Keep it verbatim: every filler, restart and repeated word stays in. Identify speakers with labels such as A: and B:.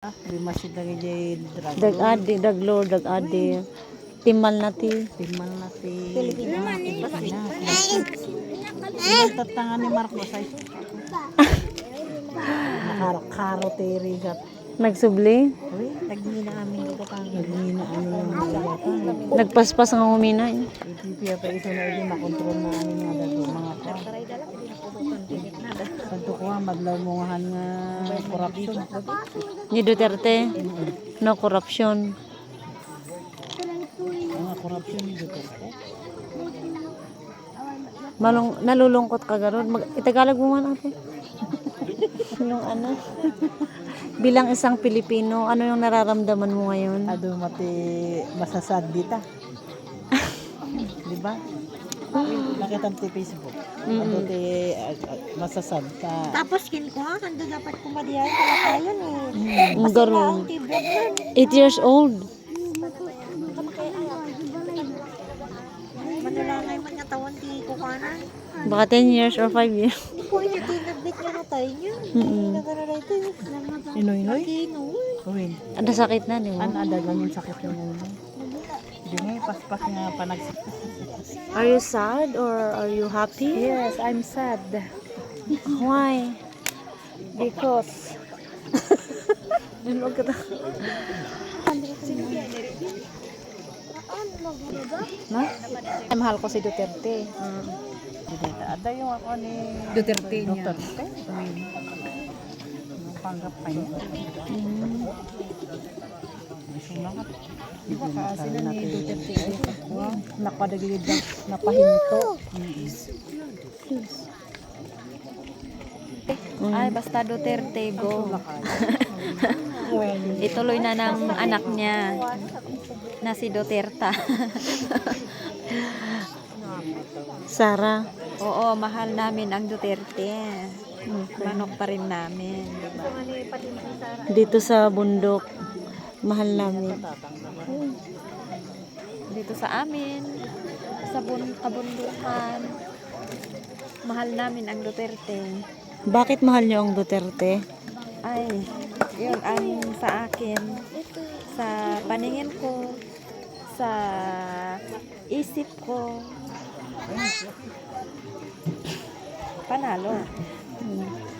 A: Di masih lagi jadi drug.
B: Dag-adi, daglor, dag-adi. Timal na ti.
A: Timal na ti. Pilipinas. Pinagtatangan ni Marcos ay. Nakaro ti Rigat.
B: Nagsubli.
A: Uy, nagmina amin dito kang. Nagmina amin yung mga
B: Nagpaspas ang humina. Eh.
A: Ipipiya pa iso na hindi makontrol na amin nga dito mga ko. Pagtukuha, maglamungahan nga korupsyon.
B: Ni Duterte. No corruption.
A: Mga korupsyon ni Duterte.
B: Malung, nalulungkot ka garon. Mag, Itagalog mo man ate. Yung ano? Bilang isang Pilipino, ano yung nararamdaman mo ngayon?
A: Ado mati masasad dita. Di ba? Nakita ti Facebook. Ado ti uh, uh, masasad ka.
C: Tapos kin ko ha, kando dapat kumadiyan kala tayo ni.
B: Ang garon.
C: Tibok nun.
B: eight years old.
C: Manulangay man nga tawon ti kukanan.
B: Baka ten years or five years.
C: Di ko niya tinabit nga na tayo niya.
B: Mm-mm.
C: Nagana ito.
A: Inoy-noy?
C: Kino.
A: Uwin.
B: Ano sakit na, di ba?
A: Ano ada ganyan sakit yung ulo? Di nga paspas nga panagsik.
B: Are you sad or are you happy?
A: Yes, I'm sad.
B: Why?
A: Because
B: Ano ka ta?
A: na? Mahal ko si Duterte. Duterte. Ada yung ako ni
B: Duterte niya.
A: Duterte. Uwin. Panggap pa niya.
B: Mm.
A: Sumangat.
B: Di ba kasi na ni Duterte?
A: Wow, napadagilid na napahinto.
D: Ay, basta Duterte, go.
A: Well,
D: Ituloy na ng anak niya na si Duterte.
B: Sara.
D: Oo, mahal namin ang Duterte. Manok pa rin namin. Diba?
B: Dito sa bundok. Mahal namin.
D: Dito sa amin, sa bun kabundukan, mahal namin ang Duterte.
B: Bakit mahal niyo ang Duterte?
D: Ay, yun ang sa akin, sa paningin ko, sa isip ko, panalo.
B: Hmm.